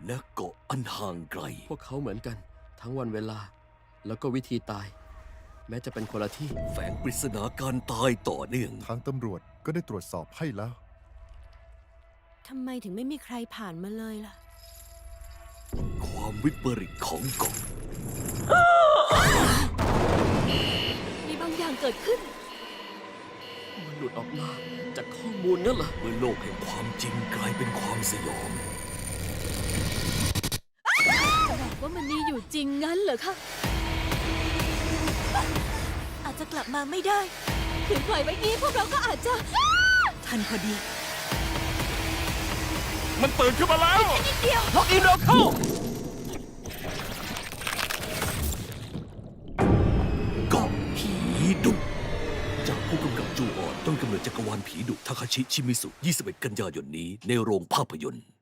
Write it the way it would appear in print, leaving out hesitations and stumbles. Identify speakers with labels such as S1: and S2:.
S1: และเกาะอันห่างไกล
S2: พวกเขาเหมือนกันทั้งวันเวลา แล้วก็วิธีตาย แม้จะเป็นคนละที่
S1: แฝงปริศนาการตายต่อเนื่อง
S3: ทางตำรวจก็ได้ตรวจสอบให้แล้ว
S4: ทำไมถึงไม่มีใครผ่านมาเลยล่ะ
S1: ความวิปริตของเกาะ
S4: มีบางอย่างเกิดขึ้น
S2: มันหลุดออกมาจากข้อมูลนั่นเหรอ
S1: เมื่อโลกแห่งความจริงกลายเป็นความสยอง
S4: บอกว่ามันมีอยู่จริงงั้นเหรอคะ อาจจะกลับมาไม่ได้ถึงปล่อยไว้นี้พวกเราก็อาจจะ ทันพอดี
S5: มันตื่นขึ้นมาแล้ว
S4: นิดเดียว
S2: ล็อกอินเราเข้า
S1: เกาะผีดุจากผู้กำกับจูออนต้นกำเนิดจักรวาลผีดุทาคาชิ ชิมิสุ 21 กันยายนนี้ในโรงภาพยนตร์